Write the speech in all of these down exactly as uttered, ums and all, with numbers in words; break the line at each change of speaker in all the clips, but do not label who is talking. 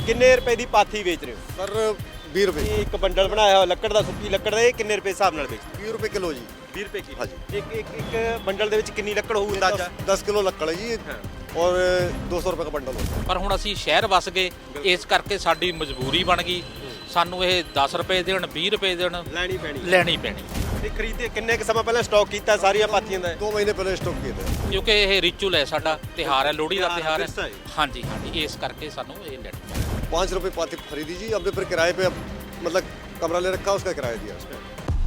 ਕਿੰਨੇ ਰੁਪਏ ਦੀ ਪਾਥੀ ਵੇਚ ਰਹੇ ਹੋ?
सर बीस रुपए
ਇਹ ਇੱਕ ਬੰਡਲ ਬਣਾਇਆ ਹੋਇਆ ਲੱਕੜ ਦਾ, ਸੁੱਕੀ ਲੱਕੜ ਦਾ, ਇਹ ਕਿੰਨੇ ਰੁਪਏ ਹਿਸਾਬ ਨਾਲ ਵੇਚਦੇ?
बीस रुपए किलो जी।
ਵੀਹ ਰੁਪਏ ਕਿਲੋ।
ਹਾਂਜੀ।
ਇੱਕ ਇੱਕ ਇੱਕ ਬੰਡਲ ਦੇ ਵਿੱਚ ਕਿੰਨੀ ਲੱਕੜ ਹੋਊ ਅੰਦਾਜ਼ਾ?
दस किलो लक्कड़ है जी
हाँ।
और दो सौ रुपये का बंडल होता है।
ਪਰ ਹੁਣ ਅਸੀਂ ਸ਼ਹਿਰ ਵਸ ਗਏ, ਇਸ ਕਰਕੇ ਸਾਡੀ ਮਜਬੂਰੀ ਬਣ ਗਈ। ਸਾਨੂੰ ਇਹ ਦਸ ਰੁਪਏ ਦੇਣ, ਵੀਹ ਰੁਪਏ ਦੇਣ,
ਲੈਣੀ ਪੈਣੀ।
ਲੈਣੀ ਪੈਣੀ,
ਤੇ ਖਰੀਦੇ ਕਿੰਨੇ ਕੁ ਸਮਾਂ ਪਹਿਲਾਂ ਸਟਾਕ ਕੀਤਾ ਸਾਰੀਆਂ ਪਾਥੀਆਂ ਦਾ?
दो महीने पहले स्टॉक किए थे।
ਕਿਉਂਕਿ ਇਹ ਰਿਚੁਅਲ ਹੈ ਸਾਡਾ, ਤਿਉਹਾਰ ਹੈ, ਲੋਹੜੀ ਦਾ
ਤਿਉਹਾਰ
ਤਿਉਹਾਰ
ਵਿਰਸਾ ਹੈ।
ਹੈ। ਹਾਂਜੀ ਹਾਂਜੀ, ਇਸ ਕਰਕੇ ਸਾਨੂੰ ਇਹ ਲੈਣੀ ਪੈਣੀ।
पाँच रुपये पाथी खरीदी जी, हमने फिर किराए पे अब मतलब कमरा ले रखा, उसका किराया दिया उसका।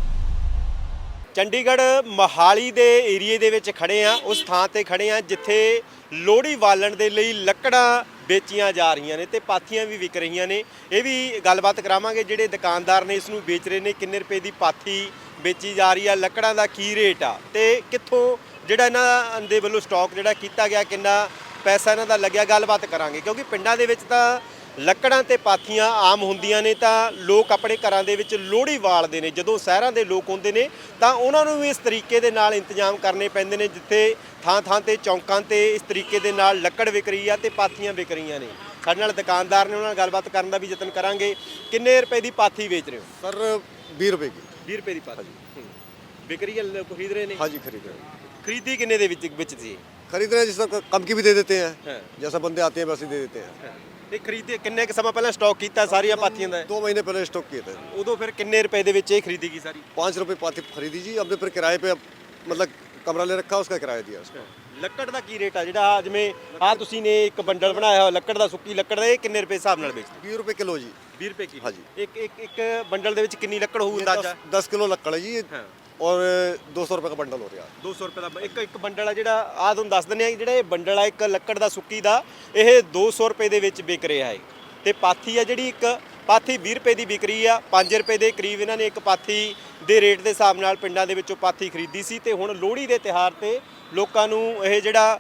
ਚੰਡੀਗੜ੍ਹ ਮੋਹਾਲੀ ਦੇ ਏਰੀਏ ਦੇ ਵਿੱਚ ਖੜੇ ਆ, ਉਸ ਥਾਂ ਤੇ ਖੜੇ ਆ ਜਿੱਥੇ ਲੋਹੜੀ ਬਾਲਣ ਦੇ ਲਈ ਲੱਕੜਾਂ ਵੇਚੀਆਂ ਜਾ ਰਹੀਆਂ ਨੇ ਤੇ ਪਾਥੀਆਂ ਵੀ ਵਿਕ ਰਹੀਆਂ ਨੇ। ਇਹ ਵੀ ਗੱਲਬਾਤ ਕਰਾਵਾਂਗੇ ਜਿਹੜੇ ਦੁਕਾਨਦਾਰ ਨੇ ਇਸ ਨੂੰ ਵੇਚ ਰਹੇ ਨੇ, ਕਿੰਨੇ ਰੁਪਏ ਦੀ ਪਾਥੀ ਵੇਚੀ ਜਾ ਰਹੀ ਆ, ਲੱਕੜਾਂ ਦਾ ਕੀ ਰੇਟ ਆ ਤੇ ਕਿੱਥੋਂ ਜਿਹੜਾ ਇਹਨਾਂ ਦੇ ਵੱਲੋਂ ਸਟਾਕ ਜਿਹੜਾ ਕੀਤਾ ਗਿਆ, ਕਿੰਨਾ ਪੈਸਾ ਇਹਨਾਂ ਦਾ ਲੱਗਿਆ, ਗੱਲਬਾਤ ਕਰਾਂਗੇ। ਕਿਉਂਕਿ ਪਿੰਡਾਂ ਦੇ ਵਿੱਚ ਤਾਂ ਲੱਕੜਾਂ ਤੇ ਪਾਥੀਆਂ ਆਮ ਹੁੰਦੀਆਂ ਨੇ ਤਾਂ ਲੋਕ ਆਪਣੇ ਘਰਾਂ ਦੇ ਵਿੱਚ ਲੋਹੜੀ ਬਾਲਦੇ ਨੇ। ਜਦੋਂ ਸ਼ਹਿਰਾਂ ਦੇ ਲੋਕ ਹੁੰਦੇ ਨੇ ਤਾਂ ਉਹਨਾਂ ਨੂੰ ਵੀ ਇਸ ਤਰੀਕੇ ਦੇ ਨਾਲ ਇੰਤਜ਼ਾਮ ਕਰਨੇ ਪੈਂਦੇ ਨੇ, ਜਿੱਥੇ ਥਾਂ ਥਾਂ ਤੇ ਚੌਂਕਾਂ ਤੇ ਇਸ ਤਰੀਕੇ ਦੇ ਨਾਲ ਲੱਕੜ ਵਿਕ ਰਹੀ ਆ ਤੇ ਪਾਥੀਆਂ ਵਿਕ ਰਹੀਆਂ ਨੇ। ਸਾਡੇ ਨਾਲ ਦੁਕਾਨਦਾਰ ਨੇ, ਉਹਨਾਂ ਨਾਲ ਗੱਲਬਾਤ ਕਰਨ ਦਾ ਵੀ ਯਤਨ ਕਰਾਂਗੇ। ਕਿੰਨੇ ਰੁਪਏ ਦੀ ਪਾਥੀ ਵੇਚ ਰਹੇ ਹੋ?
सर बीस रुपए की।
ਵੀਹ ਰੁਪਏ ਦੀ ਪਾਥੀ ਵਿਕ ਰਹੀ ਹੈ, ਲੋਕ ਖਰੀਦ ਰਹੇ ਨੇ।
हाँ जी खरीद रहे हैं।
ਖਰੀਦੀ ਕਿੰਨੇ ਦੇ ਵਿੱਚ ਵਿੱਚ ਸੀ?
खरीद रहे हैं, जिसका कम की भी दे देते हैं,
हाँ।
जैसा बंदे आते हैं वैसे दे देते हैं।
ਤੇ ਖਰੀਦੇ ਕਿੰਨੇ ਕੁ ਸਮਾਂ ਪਹਿਲਾਂ ਸਟਾਕ ਕੀਤਾ ਸਾਰੀਆਂ ਪਾਥੀਆਂ ਦਾ?
दो महीने पहले स्टॉक किए थे।
ਉਦੋਂ ਫਿਰ ਕਿੰਨੇ ਰੁਪਏ ਦੇ ਵਿੱਚ ਇਹ ਖਰੀਦੀ ਗਈ ਸਾਰੀ?
पाँच रुपये पाथी खरीदी जी, हमने फिर किराए पे अब मतलब कमरा ले रखा, उसका किराया दिया उसका।
ਲੱਕੜ ਦਾ ਕੀ ਰੇਟ ਆ ਜਿਹੜਾ ਆਹ ਜਿਵੇਂ ਆ ਤੁਸੀਂ ਨੇ ਇੱਕ ਬੰਡਲ ਬਣਾਇਆ ਹੋਇਆ ਲੱਕੜ ਦਾ, ਸੁੱਕੀ ਲੱਕੜ ਦਾ, ਇਹ ਕਿੰਨੇ ਰੁਪਏ ਹਿਸਾਬ ਨਾਲ ਵੇਚਦੇ?
बीस रुपये किलो जी।
ਵੀਹ ਰੁਪਏ ਕਿਲੋ।
ਹਾਂਜੀ।
ਇੱਕ ਇੱਕ ਇੱਕ ਬੰਡਲ ਦੇ ਵਿੱਚ ਕਿੰਨੀ ਲੱਕੜ ਹੋਊ
ये
ਅੰਦਾਜ਼ਾ?
दस दस किलो लक्कड़ है जी
हाँ।
और दो सौ रुपये का बंडल हो रहा है।
ਦੋ ਸੌ ਰੁਪਏ ਦਾ ਇੱਕ ਇੱਕ ਬੰਡਲ ਆ ਜਿਹੜਾ ਆ, ਤੁਹਾਨੂੰ ਦੱਸ ਦਿੰਦੇ ਆ ਜਿਹੜਾ ਇਹ ਬੰਡਲ ਆ ਇੱਕ ਲੱਕੜ ਦਾ ਸੁੱਕੀ ਦਾ, ਇਹ ਦੋ ਸੌ ਰੁਪਏ ਦੇ ਵਿੱਚ ਵਿਕ ਰਿਹਾ ਹੈ। ਤੇ ਪਾਥੀ ਆ ਜਿਹੜੀ ਇੱਕ ਪਾਥੀ ਵੀਹ ਰੁਪਏ ਦੀ ਵਿਕ ਰਹੀ ਆ। ਪੰਜ ਰੁਪਏ ਦੇ ਕਰੀਬ ਇਹਨਾਂ ਨੇ ਇੱਕ ਪਾਥੀ ਦੇ ਰੇਟ ਦੇ ਹਿਸਾਬ ਨਾਲ ਪਿੰਡਾਂ ਦੇ ਵਿੱਚੋਂ ਪਾਥੀ ਖਰੀਦੀ ਸੀ ਤੇ ਹੁਣ ਲੋਹੜੀ ਦੇ ਤਿਉਹਾਰ ਤੇ ਲੋਕਾਂ ਨੂੰ ਇਹ ਜਿਹੜਾ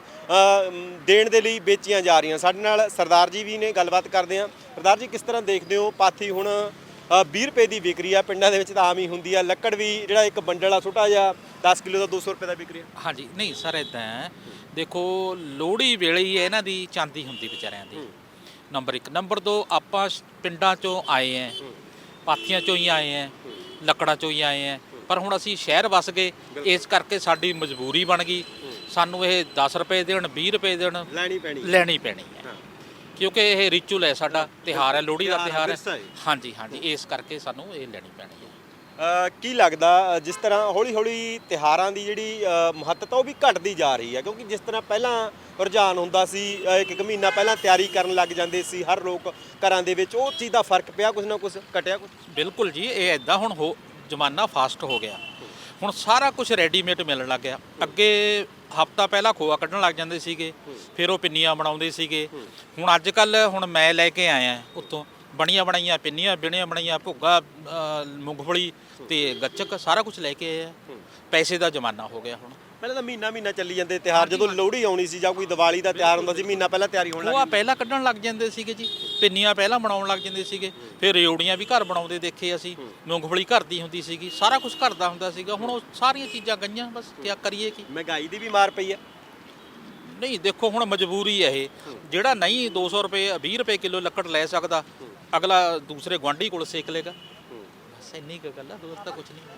ਦੇਣ ਦੇ ਲਈ ਵੇਚੀਆਂ ਜਾ ਰਹੀਆਂ। ਸਾਡੇ ਨਾਲ ਸਰਦਾਰ ਜੀ ਵੀ ਨੇ, ਗੱਲਬਾਤ ਕਰਦੇ ਆ। ਸਰਦਾਰ ਜੀ, ਕਿਸ ਤਰ੍ਹਾਂ ਦੇਖਦੇ ਹੋ ਪਾਥੀ ਹੁਣ ਵੀਹ ਰੁਪਏ ਦੀ ਵਿਕ ਰਹੀ ਆ? ਪਿੰਡਾਂ ਦੇ ਵਿੱਚ ਤਾਂ ਆਮ ਹੀ ਹੁੰਦੀ ਆ, ਲੱਕੜ ਵੀ ਜਿਹੜਾ ਇੱਕ ਬੰਡਲ ਆ ਛੋਟਾ ਜਿਹਾ ਦਸ ਕਿਲੋ ਦਾ ਦੋ ਸੌ ਰੁਪਏ ਦਾ ਵਿਕ ਰਿਹਾ।
ਹਾਂਜੀ, ਨਹੀਂ ਸਰ, ਇੱਦਾਂ ਹੈ, ਦੇਖੋ ਲੋਹੜੀ ਵੇਲੇ ਹੀ ਇਹਨਾਂ ਦੀ ਚਾਂਦੀ ਹੁੰਦੀ ਵਿਚਾਰਿਆਂ ਦੀ, ਨੰਬਰ ਇੱਕ। ਨੰਬਰ ਦੋ, ਆਪਾਂ ਪਿੰਡਾਂ ਚੋਂ ਆਏ ਐ, ਪਾਥੀਆਂ ਚੋਂ ਹੀ ਆਏ ਐ, ਲੱਕੜਾਂ ਚੋਂ ਹੀ ਆਏ ਐ, ਪਰ ਹੁਣ ਅਸੀਂ ਸ਼ਹਿਰ ਵਸ ਗਏ, ਇਸ ਕਰਕੇ ਸਾਡੀ ਮਜਬੂਰੀ ਬਣ ਗਈ। ਸਾਨੂੰ ਇਹ ਦਸ ਰੁਪਏ ਦੇਣ, ਵੀਹ ਰੁਪਏ ਦੇਣ,
ਲੈਣੀ ਪੈਣੀ
ਲੈਣੀ ਪੈਣੀ ਹੈ, ਕਿਉਂਕਿ ਇਹ ਰਿਚੁਅਲ ਹੈ ਸਾਡਾ, ਤਿਉਹਾਰ ਹੈ, ਲੋਹੜੀ ਦਾ ਤਿਉਹਾਰ
ਵਿਰਸਾ
ਹੈ।
ਹੈ।
ਹਾਂਜੀ ਹਾਂਜੀ, ਇਸ ਕਰਕੇ ਸਾਨੂੰ ਇਹ ਲੈਣੀ ਪੈਣੀ ਹੈ।
ਅ, ਕੀ ਲੱਗਦਾ ਜਿਸ ਤਰ੍ਹਾਂ ਹੌਲੀ ਹੌਲੀ ਤਿਉਹਾਰਾਂ ਦੀ ਜਿਹੜੀ ਅ, ਮਹੱਤਤਾ ਉਹ ਵੀ ਘਟਦੀ ਜਾ ਰਹੀ ਹੈ? ਕਿਉਂਕਿ ਜਿਸ ਤਰ੍ਹਾਂ ਪਹਿਲਾਂ ਰੁਝਾਨ ਹੁੰਦਾ ਸੀ, ਅ, ਇੱਕ ਇੱਕ ਮਹੀਨਾ ਪਹਿਲਾਂ ਤਿਆਰੀ ਕਰਨ ਲੱਗ ਜਾਂਦੇ ਸੀ ਹਰ ਲੋਕ ਘਰਾਂ ਦੇ ਵਿੱਚ, ਉਹ ਚੀਜ਼ ਦਾ ਫਰਕ ਪਿਆ ਕੁਝ ਨਾ ਕੁਝ, ਘਟਿਆ ਕੁਝ?
ਬਿਲਕੁਲ ਜੀ, ਇਹ ਐਦਾਂ ਹੁਣ ਹੋ ਜ਼ਮਾਨਾ ਫਾਸਟ ਹੋ ਗਿਆ, ਹੁਣ ਸਾਰਾ ਕੁਝ ਰੈਡੀਮੇਡ ਮਿਲਣ ਲੱਗ ਗਿਆ। ਅੱਗੇ ਹਫਤਾ ਪਹਿਲਾਂ ਖੋਆ ਕੱਢਣ ਲੱਗ ਜਾਂਦੇ ਸੀਗੇ, ਫਿਰ ਉਹ ਪਿੰਨੀਆਂ ਬਣਾਉਂਦੇ ਸੀਗੇ। ਹੁਣ ਅੱਜ ਕੱਲ ਹੁਣ ਮੈਂ ਲੈ ਕੇ ਆਇਆ ਉੱਤੋਂ ਬਣੀਆਂ ਬਣਾਈਆਂ ਪਿੰਨੀਆਂ, ਬਿਣੀਆਂ ਬਣਾਈਆਂ ਭੁੱਗਾ, ਮੂੰਗਫਲੀ ਤੇ ਗੱਚਕ, ਸਾਰਾ ਕੁਝ ਲੈ ਕੇ ਆਏ ਆ। ਪੈਸੇ ਦਾ ਜ਼ਮਾਨਾ ਹੋ ਗਿਆ ਹੁਣ।
ਪਹਿਲਾਂ ਤਾਂ ਮਹੀਨਾ ਮਹੀਨਾ ਚੱਲੀ ਜਾਂਦੇ ਤਿਉਹਾਰ, ਜਦੋਂ ਲੋਹੜੀ ਆਉਣੀ ਸੀ ਜਾਂ ਕੋਈ ਦੀਵਾਲੀ ਦਾ ਤਿਉਹਾਰ ਹੁੰਦਾ ਸੀ, ਮਹੀਨਾ ਪਹਿਲਾਂ ਤਿਆਰੀ ਹੋਣ ਲੱਗ
ਖੋਆ ਪਹਿਲਾਂ ਕੱਢਣ ਲੱਗ ਜਾਂਦੇ ਸੀਗੇ ਜੀ, ਪਿੰਨੀਆਂ ਪਹਿਲਾਂ ਬਣਾਉਣ ਲੱਗ ਜਾਂਦੇ ਸੀਗੇ, ਫਿਰ ਰਿਓੜੀਆਂ ਵੀ ਘਰ ਬਣਾਉਂਦੇ ਦੇਖੇ ਅਸੀਂ, ਮੂੰਗਫਲੀ ਘਰ ਦੀ ਹੁੰਦੀ ਸੀਗੀ, ਸਾਰਾ ਕੁਝ ਘਰ ਦਾ ਹੁੰਦਾ ਸੀਗਾ। ਹੁਣ ਉਹ ਸਾਰੀਆਂ ਚੀਜ਼ਾਂ ਗਈਆਂ, ਬਸ ਕੀ ਕਰੀਏ ਕੀ।
ਮਹਿੰਗਾਈ ਦੀ ਵੀ ਮਾਰ ਪਈ ਹੈ।
ਨਹੀਂ ਦੇਖੋ, ਹੁਣ ਮਜਬੂਰੀ ਹੈ ਇਹ, ਜਿਹੜਾ ਨਹੀਂ ਦੋ ਸੌ ਰੁਪਏ ਵੀਹ ਰੁਪਏ ਕਿਲੋ ਲੱਕੜ ਲੈ ਸਕਦਾ, ਅਗਲਾ ਦੂਸਰੇ ਗੁਆਂਢੀ ਕੋਲ ਸੇਕ ਲੇਗਾ, ਬਸ ਇੰਨੀ ਕੁ ਗੱਲ ਆ, ਹੋਰ ਤਾਂ ਕੁਝ ਨਹੀਂ।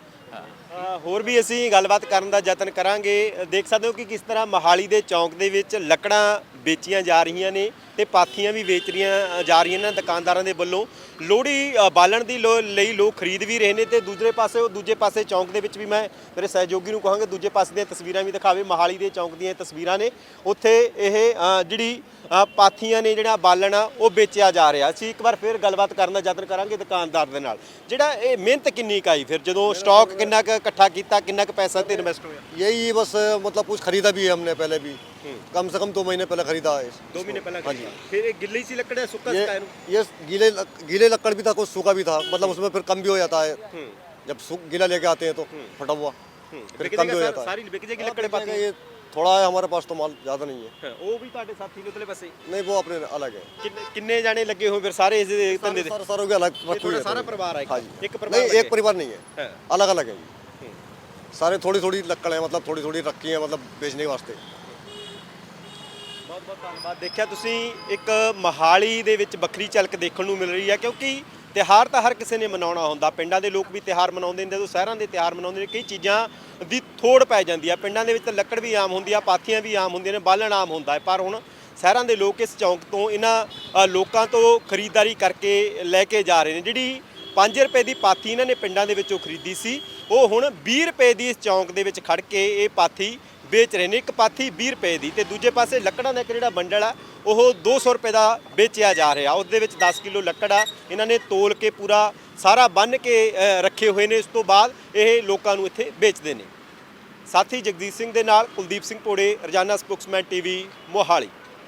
ਅ, ਹੋਰ ਵੀ ਅਸੀਂ ਗੱਲਬਾਤ ਕਰਨ ਦਾ ਯਤਨ ਕਰਾਂਗੇ। ਦੇਖ ਸਕਦੇ ਹੋ ਕਿ ਕਿਸ ਤਰ੍ਹਾਂ ਮੋਹਾਲੀ ਦੇ ਚੌਂਕ ਦੇ ਵਿੱਚ ਲੱਕੜਾਂ ਵੇਚੀਆਂ ਜਾ ਰਹੀਆਂ ਨੇ ਤੇ ਪਾਥੀਆਂ ਵੀ ਵੇਚ ਰਹੀਆਂ ਜਾ ਰਹੀਆਂ ਨੇ ਦੁਕਾਨਦਾਰਾਂ ਦੇ ਵੱਲੋਂ। ਲੋਹੜੀ ਬਾਲਣ ਦੀ ਲਈ ਲੋਕ ਖਰੀਦ ਵੀ ਰਹੇ ਨੇ ਤੇ ਦੂਜੇ ਪਾਸੇ ਉਹ ਦੂਜੇ ਪਾਸੇ ਚੌਂਕ ਦੇ ਵਿੱਚ ਵੀ ਮੈਂ ਮੇਰੇ ਸਹਿਯੋਗੀ ਨੂੰ ਕਹਾਂਗੇ ਦੂਜੇ ਪਾਸੇ ਦੀਆਂ ਤਸਵੀਰਾਂ ਵੀ ਦਿਖਾਵੇ। ਮੋਹਾਲੀ ਦੇ ਚੌਂਕ ਦੀਆਂ ਤਸਵੀਰਾਂ ਨੇ, ਉੱਥੇ ਇਹ ਜਿਹੜੀ ਪਾਥੀਆਂ ਨੇ, ਜਿਹੜਾ ਬਾਲਣ ਆ ਉਹ ਵੇਚਿਆ ਜਾ ਰਿਹਾ। ਅਸੀਂ ਇੱਕ ਵਾਰ ਫਿਰ ਗੱਲਬਾਤ ਕਰਨ ਦਾ ਯਤਨ ਕਰਾਂਗੇ ਦੁਕਾਨਦਾਰ ਦੇ ਨਾਲ। ਜਿਹੜਾ ਇਹ ਮਿਹਨਤ ਕਿੰਨੀ ਕੁ ਆਈ, ਫਿਰ ਜਦੋਂ ਸਟਾਕ ਕਿੰਨਾ ਕੁ ਇਕੱਠਾ ਕੀਤਾ, ਕਿੰਨਾ ਕੁ ਪੈਸਾ ਤੇ ਇਨਵੈਸਟ ਹੋਇਆ?
यही बस मतलब कुछ खरीदा भी है हमने पहले भी, कम से कम दो महीने पहले खरीदा है।
दो महीने पहले
हाँ जी।
फिर एक गिल्ली सी लकड़ है, सुक्का
ये
सा है?
ये गीले गीले लकड़ भी था, कुछ सूखा भी था, मतलब उसमें फिर कम भी हो जाता है जब सूख गीला लेके आते हैं तो फटा हुआ, फिर कम भी हो जाता है।
सारी बिक जाएगी लकड़ पाथी?
ये थोड़ा है हमारे पास तो माल ज़्यादा नहीं है।
वो भी ਤੁਹਾਡੇ ਸਾਥੀ ਨੇ ਉਤਲੇ ਪਾਸੇ?
नहीं, वो अपने अलग है।
ਕਿੰਨੇ ਕਿੰਨੇ ਜਾਣੇ ਲੱਗੇ ਹੋਏ ਫਿਰ ਸਾਰੇ ਇਸ ਧੰਦੇ ਦੇ?
सारे सारों के अलग
ਇਹ ਤੁਹਾਡਾ ਸਾਰਾ ਪਰਿਵਾਰ ਹੈ?
हाँ जी।
ਇੱਕ ਪਰਿਵਾਰ
नहीं, एक परिवार नहीं है,
है।
अलग अलग है जी। सारे थोड़ी थोड़ी लकड़ है, मतलब थोड़ी थोड़ी रखी है, मतलब बेचने के वास्ते।
बहुत ਬਹੁਤ ਧੰਨਵਾਦ। ਦੇਖਿਆ ਤੁਸੀਂ ਇੱਕ ਮੋਹਾਲੀ ਦੇ ਵਿੱਚ ਵੱਖਰੀ ਝਲਕ ਦੇਖਣ ਨੂੰ ਮਿਲ ਰਹੀ ਹੈ, ਕਿਉਂਕਿ ਤਿਉਹਾਰ ਤਾਂ ਹਰ ਕਿਸੇ ਨੇ ਮਨਾਉਣਾ ਹੁੰਦਾ। ਪਿੰਡਾਂ ਦੇ ਲੋਕ ਵੀ ਤਿਉਹਾਰ ਮਨਾਉਂਦੇ ਨੇ, ਜਦੋਂ ਸ਼ਹਿਰਾਂ ਦੇ ਤਿਉਹਾਰ ਮਨਾਉਂਦੇ ਨੇ ਕਈ ਚੀਜ਼ਾਂ ਦੀ ਥੋੜ ਪੈ ਜਾਂਦੀ ਆ। ਪਿੰਡਾਂ ਦੇ ਵਿੱਚ ਤਾਂ ਲੱਕੜ ਵੀ ਆਮ ਹੁੰਦੀ ਆ, ਪਾਥੀਆਂ ਵੀ ਆਮ ਹੁੰਦੀਆਂ ਨੇ, ਬਾਲਣ ਆਮ ਹੁੰਦਾ ਹੈ, ਪਰ ਹੁਣ ਸ਼ਹਿਰਾਂ ਦੇ ਲੋਕ ਇਸ ਚੌਂਕ ਤੋਂ ਇਹਨਾਂ ਅ, ਲੋਕਾਂ ਤੋਂ ਖਰੀਦਦਾਰੀ ਕਰਕੇ ਲੈ ਕੇ ਜਾ ਰਹੇ ਨੇ। ਜਿਹੜੀ ਪੰਜ ਰੁਪਏ ਦੀ ਪਾਥੀ ਇਹਨਾਂ ਨੇ ਪਿੰਡਾਂ ਦੇ ਵਿੱਚੋਂ ਖਰੀਦੀ ਸੀ, ਉਹ ਹੁਣ ਵੀਹ ਰੁਪਏ ਦੀ ਇਸ ਚੌਂਕ ਦੇ ਵਿੱਚ ਖੜ ਕੇ ਇਹ ਪਾਥੀ ਵੇਚ ਰਹੇ ਨੇ। ਇੱਕ ਪਾਥੀ ਵੀਹ ਰੁਪਏ ਦੀ, ਤੇ ਦੂਜੇ ਪਾਸੇ ਲੱਕੜਾਂ ਦਾ ਇੱਕ ਜਿਹੜਾ ਬੰਡਲ ਆ ਉਹ ਦੋ ਸੌ ਰੁਪਏ ਦਾ ਵੇਚਿਆ ਜਾ ਰਿਹਾ। ਉਸ ਦੇ ਵਿੱਚ ਦਸ ਕਿਲੋ ਲੱਕੜ ਆ, ਇਹਨਾਂ ਨੇ ਤੋਲ ਕੇ ਪੂਰਾ ਸਾਰਾ ਬੰਨ੍ਹ ਕੇ ਅ, ਰੱਖੇ ਹੋਏ ਨੇ। ਇਸ ਤੋਂ ਬਾਅਦ ਇਹ ਲੋਕਾਂ ਨੂੰ ਇੱਥੇ ਵੇਚਦੇ ਨੇ। ਸਾਥੀ ਜਗਦੀਪ ਸਿੰਘ ਦੇ ਨਾਲ ਕੁਲਦੀਪ ਸਿੰਘ ਪੋੜੇ, ਰੋਜ਼ਾਨਾ ਸਪੋਕਸਮੈਨ ਟੀਵੀ, ਮੋਹਾਲੀ।